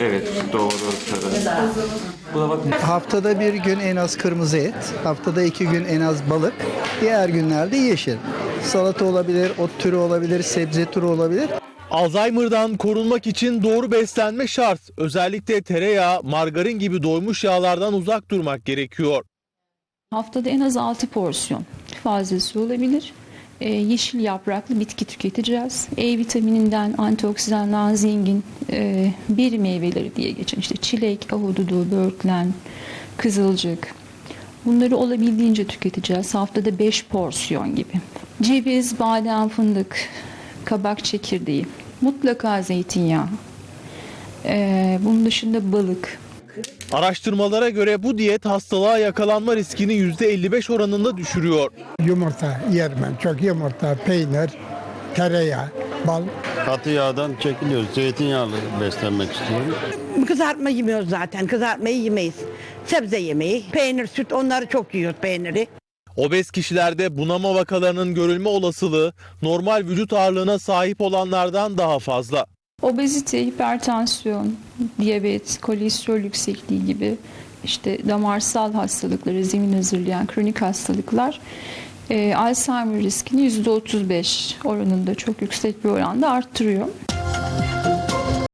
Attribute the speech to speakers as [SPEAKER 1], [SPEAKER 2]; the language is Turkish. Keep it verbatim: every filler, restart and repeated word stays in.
[SPEAKER 1] Evet, doğru. Bu da bakın.
[SPEAKER 2] Haftada bir gün en az kırmızı et, haftada iki gün en az balık, diğer günlerde yeşil. Salata olabilir, ot türü olabilir, sebze türü olabilir.
[SPEAKER 3] Alzheimer'dan korunmak için doğru beslenme şart. Özellikle tereyağı, margarin gibi doymuş yağlardan uzak durmak gerekiyor.
[SPEAKER 4] Haftada en az altı porsiyon fazlası olabilir. Ee, yeşil yapraklı bitki tüketeceğiz. E vitamininden antioksidandan zengin e, beri meyveleri diye geçen işte çilek, ahududu, böğürtlen, kızılcık. Bunları olabildiğince tüketeceğiz. Haftada beş porsiyon gibi. Ceviz, badem, fındık, kabak çekirdeği, mutlaka zeytinyağı. Ee, bunun dışında balık.
[SPEAKER 3] Araştırmalara göre bu diyet hastalığa yakalanma riskini yüzde elli beş oranında düşürüyor.
[SPEAKER 5] Yumurta yerim ben. Çok yumurta, peynir, tereyağı, bal.
[SPEAKER 6] Katı yağdan çekiliyoruz. Zeytinyağlı beslenmek istiyorum.
[SPEAKER 7] Kızartma yemiyoruz zaten. Kızartmayı yemeyiz. Sebze yemeği, peynir, süt onları çok yiyoruz peyniri.
[SPEAKER 3] Obez kişilerde bunama vakalarının görülme olasılığı normal vücut ağırlığına sahip olanlardan daha fazla.
[SPEAKER 4] Obezite, hipertansiyon, diyabet, kolesterol yüksekliği gibi işte damarsal hastalıkları zemin hazırlayan kronik hastalıklar e, Alzheimer riskini yüzde otuz beş oranında çok yüksek bir oranda arttırıyor.